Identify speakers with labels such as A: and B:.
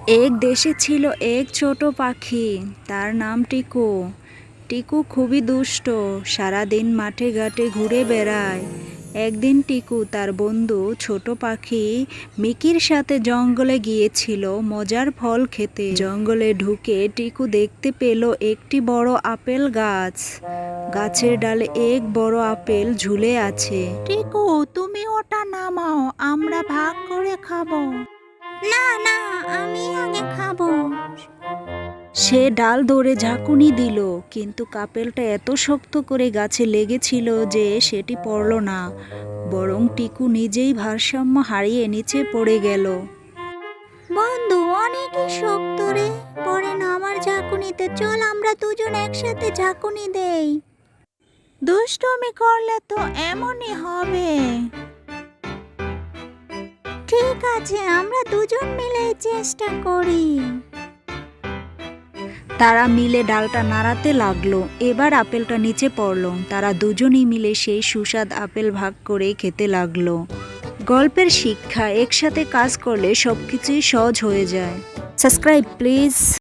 A: এক দেশে ছিল এক ছোট পাখি, তার নাম টিকু। টিকু খুবই দুষ্ট, সারাদিন মাঠে ঘাটে ঘুরে বেড়ায়। একদিন টিকু তার বন্ধু ছোট পাখি মিকির সাথে জঙ্গলে গিয়েছিল মজার ফল খেতে। জঙ্গলে ঢুকে টিকু দেখতে পেল একটি বড় আপেল গাছ। গাছের ডালে এক বড় আপেল ঝুলে আছে। টিকু, তুমি ওটা নামাও, আমরা ভাগ করে খাবো।
B: না না, আমি আগে খাবো।
A: সে ডাল ধরে ঝাঁকুনি দিল, কিন্তু আপেলটা এত শক্ত করে গাছে লেগেছিল যে সেটি পড়ল না, বরং টিকু নিজেই ভারসাম্য হারিয়ে নিচে পড়ে গেল।
B: বন্ধু, অনেকই শক্ত রে, পরে না আমার ঝাঁকুনিতে, চল আমরা দুজন একসাথে ঝাঁকুনি দেই।
A: দুষ্টুমি করলে তো এমনই হবে।
B: ঠিক আছে, আমরা দুজন মিলে চেষ্টা করি।
A: তারা মিলে ডালটা নাড়াতে লাগলো। এবার আপেলটা নিচে পড়লো। তারা দুজনেই মিলে সেই সুস্বাদ আপেল ভাগ করে খেতে লাগলো। গল্পের শিক্ষা, একসাথে কাজ করলে সবকিছুই সহজ হয়ে যায়। Subscribe please.